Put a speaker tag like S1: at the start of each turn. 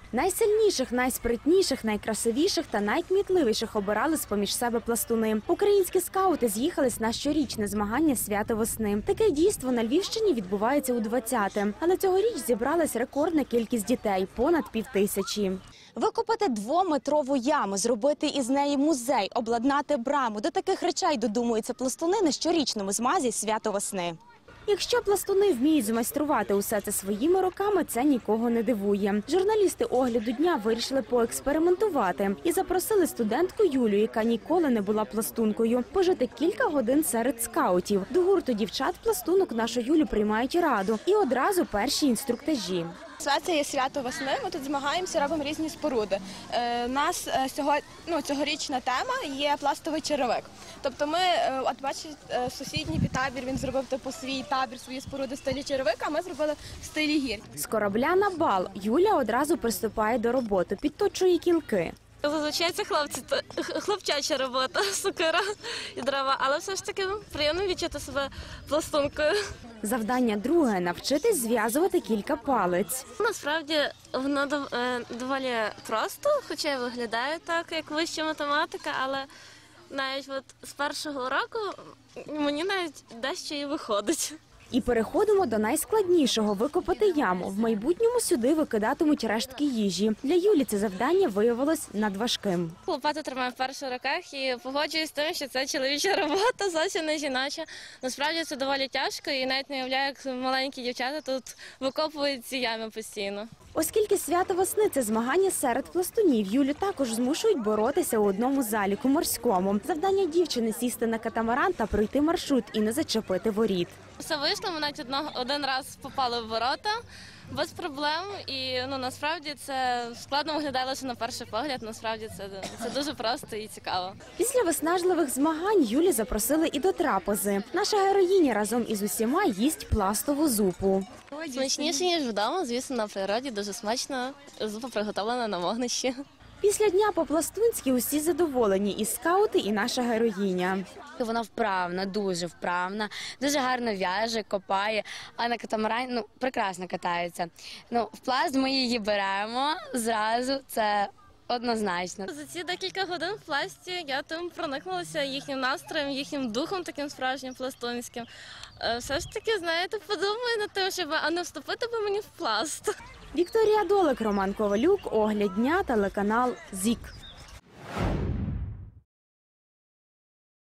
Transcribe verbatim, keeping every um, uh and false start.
S1: Найсильніших, найспритніших, найкрасивіших та найкмітливіших обирали з-поміж себе пластуни. Українські скаути з'їхались на щорічне змагання «Свято весни». Таке дійство на Львівщині відбувається у двадцяте. Але цьогоріч зібралась рекордна кількість дітей – понад півтисячі. Викопати двометрову яму, зробити із неї музей, обладнати браму – до таких речей додумуються пластуни на щорічному змазі «Свято весни». Якщо пластуни вміють змайструвати усе це своїми руками, це нікого не дивує. Журналісти «Огляду дня» вирішили поекспериментувати і запросили студентку Юлю, яка ніколи не була пластункою, пожити кілька годин серед скаутів. До гурту дівчат-пластунок нашу Юлю приймають раду і одразу перші інструктажі.
S2: Це є свято весни, ми тут змагаємося, робимо різні споруди. У нас сьогодні, ну, цьогорічна тема є пластовий черевик. Тобто ми, от бачите, сусідній табір, він зробив типу свій табір, свої споруди в стилі черевика, а ми зробили в стилі гір.
S1: З корабля на бал Юля одразу приступає до роботи, підточує кілки.
S3: Зазвичай це хлопці, хлопчача робота, сокира і дрова, але все ж таки приємно відчути себе пластункою.
S1: Завдання друге – навчитись зв'язувати кілька палиць.
S3: Насправді воно доволі просто, хоча й виглядає так, як вища математика, але навіть от з першого року мені навіть дещо і виходить.
S1: І переходимо до найскладнішого – викопати яму. В майбутньому сюди викидатимуть рештки їжі. Для Юлі це завдання виявилось надважким.
S3: Лопату тримаю в перших руках і погоджуюсь з тим, що це чоловіча робота, зовсім не жіноча. Насправді це доволі тяжко і навіть не уявляю, як маленькі дівчата тут викопують ці ями постійно.
S1: Оскільки свято весни – це змагання серед пластунів, Юлю також змушують боротися у одному заліку – морському. Завдання дівчини – сісти на катамаран та пройти маршрут і не зачепити воріт.
S3: Все вийшло, ми навіть одного, один раз попали в ворота без проблем. І ну, насправді це складно виглядає лише на перший погляд, насправді це, це дуже просто і цікаво.
S1: Після виснажливих змагань Юлі запросили і до трапези. Наша героїня разом із усіма їсть пластову зупу.
S3: Смачніше, ніж вдома, звісно, на природі, дуже смачно. Зупа приготовлена на вогнищі.
S1: Після дня по-пластунськи усі задоволені – і скаути, і наша героїня.
S4: Вона вправна, дуже вправна, дуже гарно в'яже, копає, а на катамарані ну, прекрасно катається. Ну, в пласт ми її беремо зразу, це однозначно.
S3: За ці декілька годин в пласті я тим проникнулася їхнім настроєм, їхнім духом таким справжнім пластунським. Все ж таки, знаєте, подумаю над тим, щоб а не вступити би мені в пласт.
S1: Вікторія Долик, Роман Ковалюк, «Огляд дня», телеканал ЗІК.